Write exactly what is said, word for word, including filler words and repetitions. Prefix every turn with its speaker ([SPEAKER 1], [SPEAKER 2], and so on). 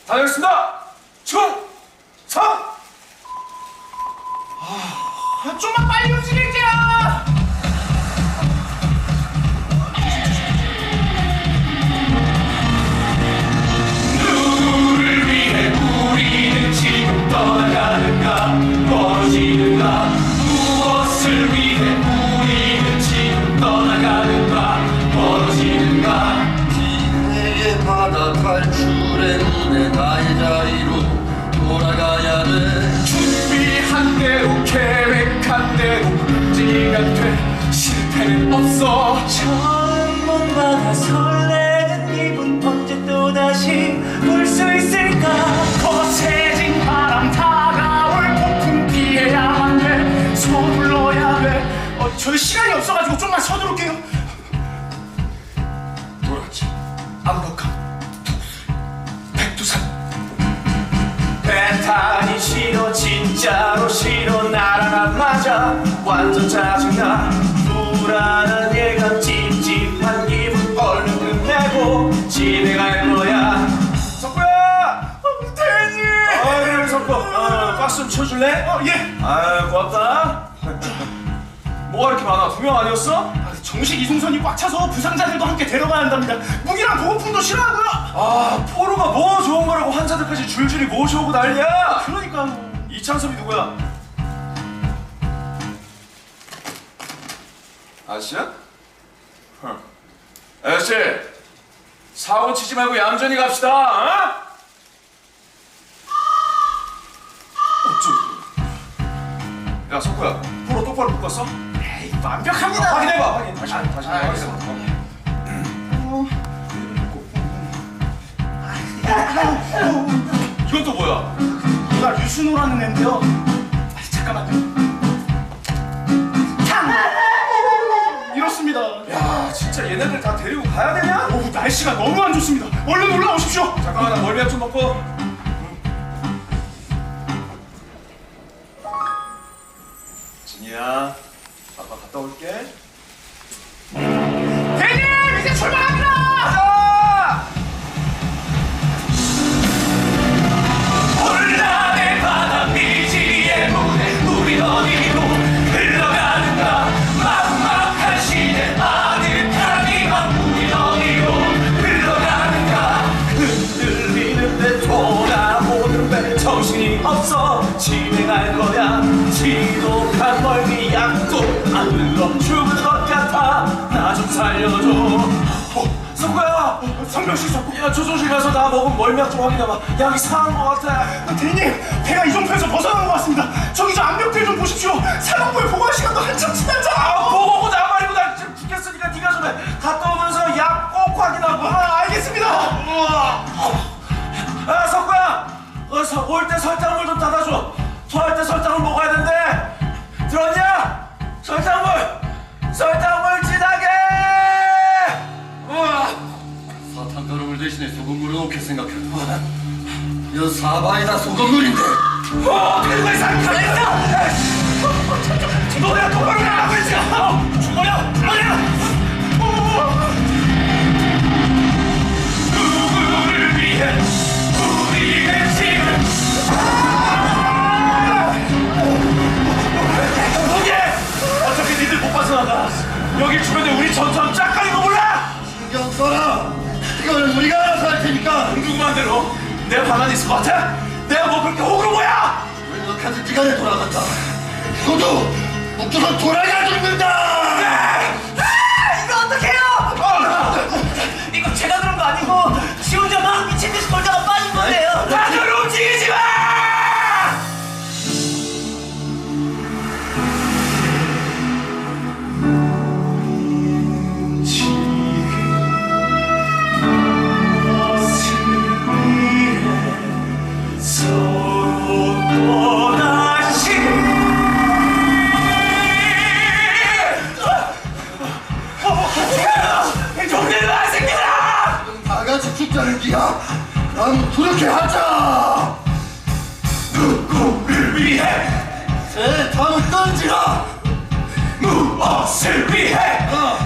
[SPEAKER 1] 다녀오겠습니다. 충성!
[SPEAKER 2] 아, 좀만 빨리 움직일게요.
[SPEAKER 1] 누구를 위해 우리는 지금 떠나가는가 멀어지는가 무엇을 위해 우리는 지금 떠나가는가 멀어지는가
[SPEAKER 3] 기회의 바다 탈출의 문에 나의 자리로 돌아가야 돼.
[SPEAKER 1] 준비한 대로 계획한 대로 움직이가 돼 실패는 없어.
[SPEAKER 2] 처음 본 바다 설레는 기분 언제 또다시 볼 수 있을까. 거세진 바람 다가올 폭풍 피해야만 돼. 서둘러야 돼. 어, 저희 시간이 없어가지고 좀만 서두를게요.
[SPEAKER 1] 돌아가지 암벽한 독수리 백두산 배 타기 싫어 진짜로 싫어 나랑 안 맞아 완전 짜증나 불안한 예감 찝찝한 기분 얼른 끝내고 집에 갈 거야. 석구야!
[SPEAKER 2] 어, 대님.
[SPEAKER 1] 어 그래 석구 어, 박수 좀 쳐줄래?
[SPEAKER 2] 어, 예.
[SPEAKER 1] 아유 고맙다. 뭐가 이렇게 많아? 두 명 아니었어?
[SPEAKER 2] 아, 정식 이송선이 꽉 차서 부상자들도 함께 데려가야 한답니다. 무기랑 보호품도 싫어하고요.
[SPEAKER 1] 아 포로가 뭐 좋은 거라고 환자들까지 줄줄이 모셔오고 난리야.
[SPEAKER 2] 그러니까
[SPEAKER 1] 이창섭이 누구야? 아저씨야? huh. 아저씨 사고 치지 말고 얌전히 갑시다. 어? 어쩌? 야 석구야 포로 똑바로 묶었어?
[SPEAKER 2] 에이, 완벽합니다.
[SPEAKER 1] 아, 확인해봐 확인 다시
[SPEAKER 2] 아,
[SPEAKER 1] 다시
[SPEAKER 2] 아,
[SPEAKER 1] 확인해봐. 이건 또 뭐야?
[SPEAKER 2] 누가 류순호라는 애인데요. 아, 잠깐만요. 탕! 이렇습니다.
[SPEAKER 1] 야 진짜 얘네들 다 데리고 가야 되냐?
[SPEAKER 2] 어우, 날씨가 너무 안 좋습니다. 얼른 올라오십시오.
[SPEAKER 1] 잠깐만 나 멀미약 좀 먹고. 진이야 아빠 갔다 올게.
[SPEAKER 2] 대님, 이제 출발합니다.
[SPEAKER 1] 가자! 혼란의 바다 미지의 문에 우린 어디로 흘러가는가 막막한 시대 아득한 이만 우린 어디로 흘러가는가 흔들리는데 돌아오는 배 정신이 없어 집에 갈 거야 지독한 멀미 약도 안 흘러 죽을 것 같아 나 좀 살려줘. 어, 성구야
[SPEAKER 2] 성명씨 잡고.
[SPEAKER 1] 야 조정실 가서 나 먹은 멀미약 좀 확인해봐. 약이 상한 것 같아.
[SPEAKER 2] 아, 대님, 배가 이정표에서 벗어난 것 같습니다. 저기 저 압력計좀 보십시오. 사령부에 보관 시간도 한참
[SPEAKER 1] 아,
[SPEAKER 2] 지났잖아요.
[SPEAKER 1] 보고 오고 나 말고 나 지금 죽겠으니까 네가 좀 해. 갔다 오면서 약 꼭 확인하고.
[SPEAKER 2] 아, 알겠습니다.
[SPEAKER 1] 아 석구야 어, 올 때 설탕물 좀 따다줘. 토할 때 설탕을 먹어야 된대. 들었냐? 설탕물 설탕물 진하게. 우와.
[SPEAKER 3] 사탕가루물 대신에 소금물을 넣게 생각해도 이건 사바이다 소금물인데.
[SPEAKER 1] 어, 어떻게 된 거야, 가만있어! 너 내가 똑바로 가라고 했지! 어, 죽어요! 죽어요! 누구를 위해 우리는 지금 포기해! 어차피 니들 못 빠져나가. 여기 주변에 우리 전투함 짝가는 거 몰라?
[SPEAKER 3] 신경 써라. 이건 우리가 알아서 할 테니까.
[SPEAKER 1] 궁금한 대로 내가 가만히 있을 것 같아? 내가 뭐 그렇게 호구로 뭐야?
[SPEAKER 3] 웬만하지 시간에 돌아간다. 너도 묶여서 돌아가 죽는다.
[SPEAKER 2] 아, 이거 어떡해요? 이거 제가 그런 거 아니고 지 혼자 막 미친 듯이 돌다가 빠진 건데요.
[SPEAKER 1] 다들 움직이지 마!
[SPEAKER 3] 다 같이 죽자는 기야. 그럼 그렇게 하자.
[SPEAKER 1] 누구를 위해
[SPEAKER 3] 새 다음 던지라.
[SPEAKER 1] 무엇을 위해
[SPEAKER 3] 어.